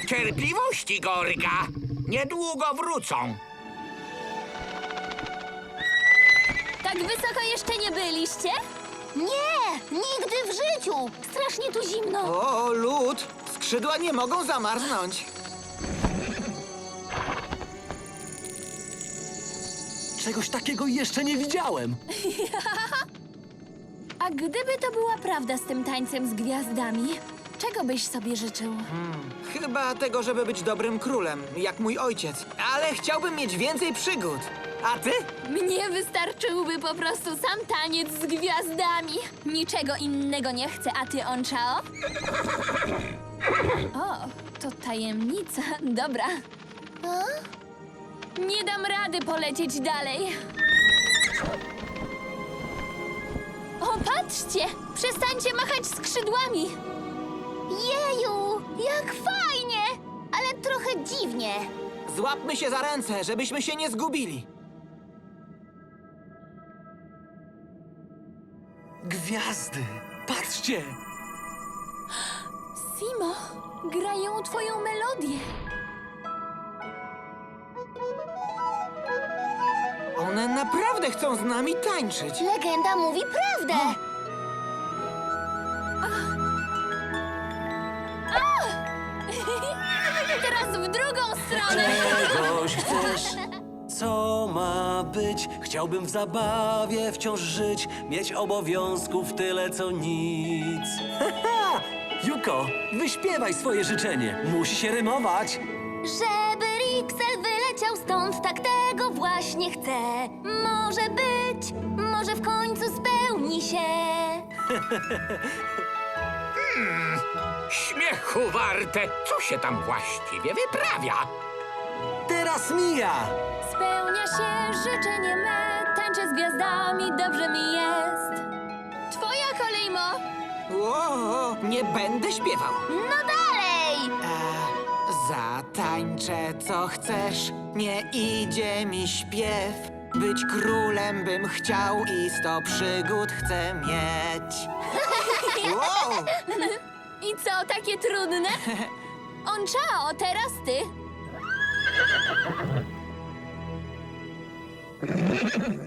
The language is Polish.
Cierpliwości, Gorga. Niedługo wrócą. Tak wysoko jeszcze nie byliście? Nie, nigdy w życiu. Strasznie tu zimno. O, lód! Skrzydła nie mogą zamarznąć. Czegoś takiego jeszcze nie widziałem. A gdyby to była prawda z tym tańcem z gwiazdami, czego byś sobie życzył? Chyba tego, żeby być dobrym królem, jak mój ojciec. Ale chciałbym mieć więcej przygód. A ty? Mnie wystarczyłby po prostu sam taniec z gwiazdami. Niczego innego nie chcę, a ty, Onchao? O, to tajemnica. Dobra. Nie dam rady polecieć dalej. O, patrzcie! Przestańcie machać skrzydłami! Jeju, jak fajnie! Ale trochę dziwnie. Złapmy się za ręce, żebyśmy się nie zgubili. Gwiazdy! Patrzcie! Simo, grają twoją melodię. One naprawdę chcą z nami tańczyć. Legenda mówi prawdę. Teraz w drugą stronę. Czegoś chcesz? Co ma być? Chciałbym w zabawie wciąż żyć, mieć obowiązków tyle co nic. Haha! Juko, wyśpiewaj swoje życzenie. Musi się rymować. Żeby Rixel wyleciał stąd, tak tego właśnie chcę. Może być, może w końcu spełni się. Śmiechu warte. Co się tam właściwie wyprawia? Teraz Mija! Spełnia się życzenie me, tańczę z gwiazdami, dobrze mi jest. Twoja kolej, Mo. Ło, nie będę śpiewał. No dalej! Zatańczę co chcesz, nie idzie mi śpiew. Być królem bym chciał i 100 przygód chcę mieć. Wow! I co, takie trudne? Onchao, teraz ty.